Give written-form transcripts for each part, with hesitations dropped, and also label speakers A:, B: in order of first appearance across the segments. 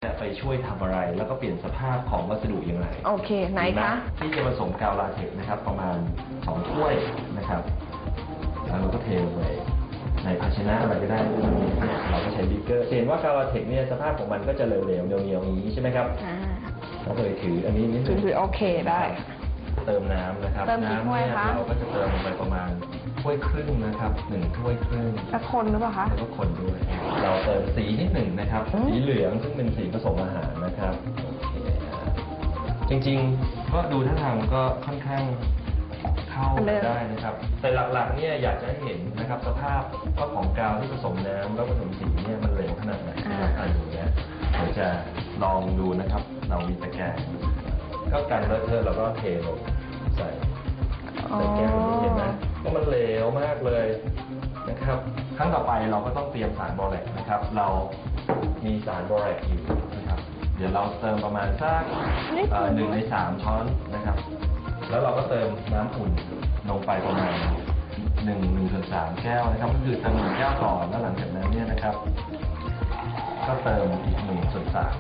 A: ไปช่วยทำอะไรแล้วก็เปลี่ยนสภาพของวัสดุอย่างไร
B: โอเคไหนคะ
A: ที่จะผสมกาวลาเท็กซ์นะครับประมาณ2 ถ้วยนะครับแล้วเราก็เทลงไปในภาชนะอะไรก็ได้เราก็ใช้บิ๊กเกอร์เห็นว่ากาวลาเท็กซ์เนี่ยสภาพของมันก็จะเหลวๆเหนียวๆอย่างนี้ใช่ไหมครับเราเคยถืออันนี้นิดนึง
B: ถือโอเคได้
A: เติมน้ำนะครับน้ำเนี่ยเราก็จะเติมลงไปประมาณถ้วยครึ่งนะครับ1 ถ้วยครึ่ง
B: แล้วคนหรือเปล่าคะ
A: แล้วก็คนด้วยเราเติมสีนิดหนึ่งนะครับสีเหลืองซึ่งเป็นสีผสมอาหารนะครับโอเคจริงๆก็ดูท่าทางก็ค่อนข้างเข้าได้นะครับแต่หลักๆเนี่ยอยากจะให้เห็นนะครับสภาพว่าของกาวที่ผสมน้ำแล้วผสมสีเนี่ยมันเหลวขนาดไหนนะครับอย่างเงี้ยเดี๋ยวจะลองดูนะครับเรามีตะแกรงก็กันเลอะเทอะเราก็เทลงใส่แก้วนี้เห็นไหมว่ามันเหลวมากเลยนะครับครั้งต่อไปเราก็ต้องเตรียมสารบอแรกนะครับเรามีสารบอแรกอยู่นะครับเดี๋ยวเราเติมประมาณสัก1 ใน 3 ช้อนนะครับแล้วเราก็เติมน้ำอุ่นลงไปประมาณ1/3 แก้วนะครับก็คือเติม1 แก้วก่อนแล้วหลังจากนั้นเนี่ยนะครับก็เติมอีก1/3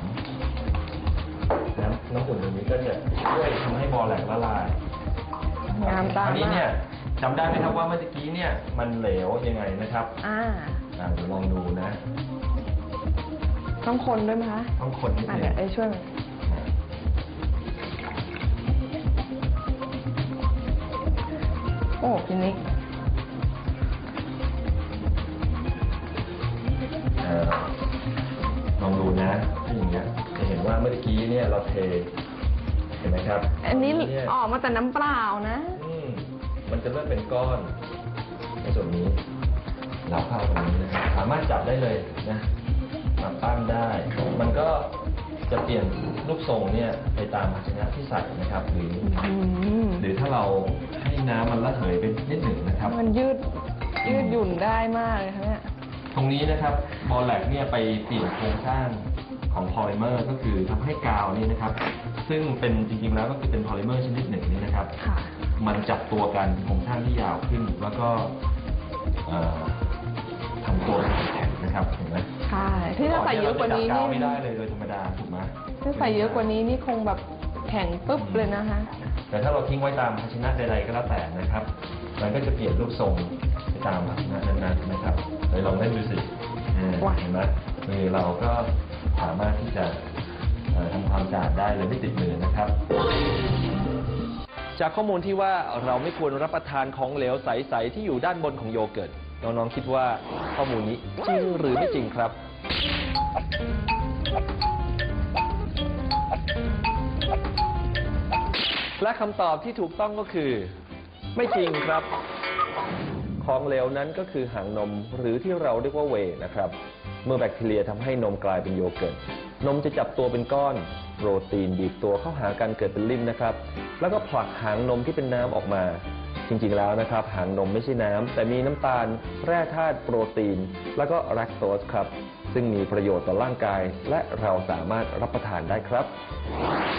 A: น้ำอุ่นตรงนี้ก็จะช่วยทำให้บอแรกละลาย
B: งามตา
A: อันนี้เนี่ยจำได้ไหมครับว่าเมื่อกี้เนี่ยมันเหลวยังไงนะครับเดี๋ยวลองดูนะ
B: ต้องคนด้วยไหมคะ
A: ต้องคนนิดนึง
B: เดี๋ยวช่วยโอ้พี่นิก
A: ลองดูนะที่อย่างเงี้ยจะเห็นว่าเมื่อกี้เนี่ยเราเทเห็นไหมครับ
B: อันนี้ออกมาแต่น้ำเปล่านะ
A: มันจะเริ่มเป็นก้อนในส่วนนี้เราเข้าตรงนี้นะสามารถจับได้เลยนะมาปั้นได้มันก็จะเปลี่ยนรูปทรงเนี่ยไปตามภาชนะที่ใส่นะครับหรือถ้าเราให้น้ำมันระเหยไปนิดหนึ่งนะครับ
B: มันยืดหยุ่นได้มากเลยครับเนี่ย
A: ตรงนี้นะครับบอแรกเนี่ยไปเปลี่ยนโครงสร้างของพอลิเมอร์ก็คือทำให้กาวนี่นะครับซึ่งเป็นจริงๆแล้วก็คือเป็นพอลิเมอร์ชนิดหนึ่งนี่นะครับมันจับตัวกันโครงสร้างที่ยาวขึ้นแล้วก็ทำตัวแข็งนะครับเห็นไหม
B: ใช่ที่ถ้าใส่เยอะกว่านี้นี่
A: ไม่ได้เลยโดยธรรมดาถูกไหม
B: ถ้าใส่เยอะกว่านี้นี่คงแบบแข็งปึ๊บเลยนะคะ
A: แต่ถ้าเราทิ้งไว้ตามภาชนะใดๆก็แล้วแต่นะครับมันก็จะเปลี่ยนรูปทรงไปตามภาชนะนั้นๆนะครับเลยลองเล่นดูสิเห็นไหมมือเราก็สามารถที่จะทำความสะอาดได้เลยไม่ติดมือนะครับจากข้อมูลที่ว่าเราไม่ควรรับประทานของเหลวใสๆที่อยู่ด้านบนของโยเกิร์ตน้องๆคิดว่าข้อมูลนี้จริงหรือไม่จริงครับและคำตอบที่ถูกต้องก็คือไม่จริงครับของเหลวนั้นก็คือหางนมหรือที่เราเรียกว่าเวย์นะครับเมื่อแบคทีเรียทำให้นมกลายเป็นโยเกิร์ตนมจะจับตัวเป็นก้อนโปรตีนบีบตัวเข้าหากันเกิดเป็นริ่มนะครับแล้วก็ผลักหางนมที่เป็นน้ำออกมาจริงๆแล้วนะครับหางนมไม่ใช่น้ำแต่มีน้ำตาลแร่ธาตุโปรตีนแล้วก็แลคโตสครับซึ่งมีประโยชน์ต่อร่างกายและเราสามารถรับประทานได้ครับ